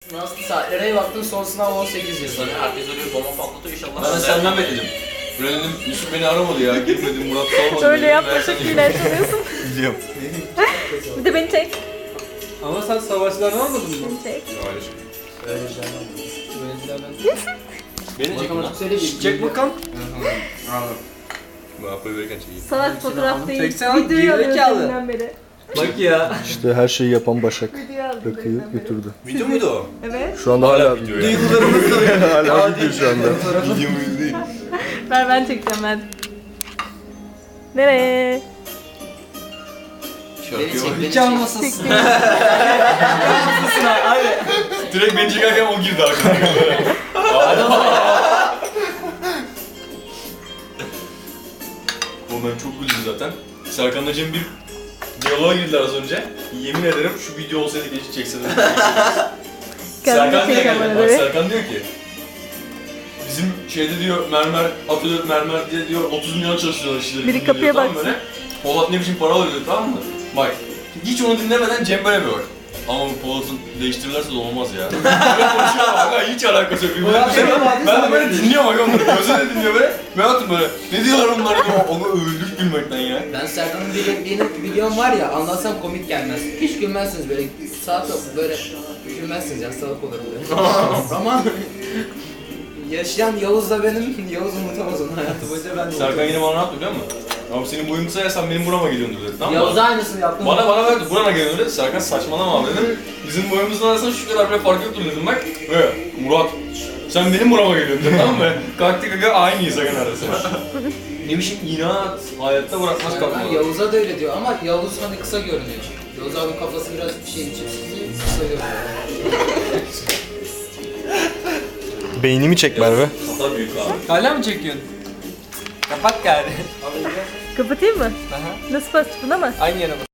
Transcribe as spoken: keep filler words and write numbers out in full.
Nasıl saatlere baktım son sınav on sekiz yazıyor. Herkes öyle bir bomba patlatıyor inşallah. Ben de senden bekledim. Böyle dedim, Yusuf beni aramadı ya, girmedim, Murat sormadı. Öyle dedim, yapma ben çok sana- iyiler sanıyorsun. Biliyorum. Bir de beni çek. Ama sen savaşlarını almadın mı? Beni çek. Hayır. Beni çek Bakalım lan. söyle bir. Çek bakalım. Bu yapmayı verirken çekeyim. Salak fotoğraf değil. Çeksene, Videoyu alıyoruz gerizekalı. deminden beri. Bak ya. İşte her şeyi yapan Başak. Videoyu aldım Rakıyı deminden beri. götürdü. Video muydu o? Evet. Şu anda hala video video. ya. Hala video şu anda. Videomuz değil. Ver ben çekeceğim ben. Nereye? Beni çek, beni Hiç çek. almasın. Direkt beni çekerken o girdi arkadaşlar. Oğlum ben çok güldüm zaten. Serkan'la Cem bir diyaloğa girdiler az önce. Yemin ederim şu video olsaydı geçip çekseydim. Kendimi Serkan diye çekeceğim geldi. bana Bak böyle. Serkan diyor ki bizim şeyde diyor mermer, atölye mermer diye diyor otuz milyon çalışıyorlar işçileri. Biri diyor, kapıya tamam baksın. böyle. Polat ne biçim para alıyor diyor, tamam mı? Bak hiç onu dinlemeden Cem böyle bir bak. Ama bu Polat'ın değiştirirlerse de olmaz ya. Böyle konuşuyor ama ha, hiç alakası yok. Polat Ben, benim abi, ben de sen böyle böyle dinliyorum bak onları. Gözüne dinliyor böyle. Berat'ım böyle. Ne diyorlar onlar diyor. Onu öldük gülmekten ya. Ben Serkan'ın bir, benim videom var ya, anlatsam komik gelmez. Hiç gülmezsiniz böyle, saat böyle gülmezsiniz ya, salak olurum böyle. Ama yaşayan Yavuz da benim, Yavuz unutamaz onu hayatı boyunca ben de Serkan unutamam. yine bana ne yaptı biliyor musun? Abi senin boyun kısa ya sen benim burama geliyorsun dedi. Tamam mı? Yavuz'a aynısını yaptım. Bana bana verdi burana geliyor dedi. Serkan saçmalama abi dedim. Bizim boyumuzun arasında şu kadar bile fark yoktur dedim bak. Ve Murat sen benim burama geliyorsun dedim, tamam mı? Kalktık aga aynıyız aga arasında. Ne biçim inat, hayatta bırakmaz Serkan kalkmadı. Yavuz'a da öyle diyor ama Yavuz hani kısa görünüyor. Yavuz abinin kafası biraz bir şey için kısa görünüyor. Beynimi çek Merve. Kafa büyük abi. Hala mı çekiyorsun? Kapat gari. Kapatayım mı? Aha. Nasıl bastık buna mı? Aynı yere bas.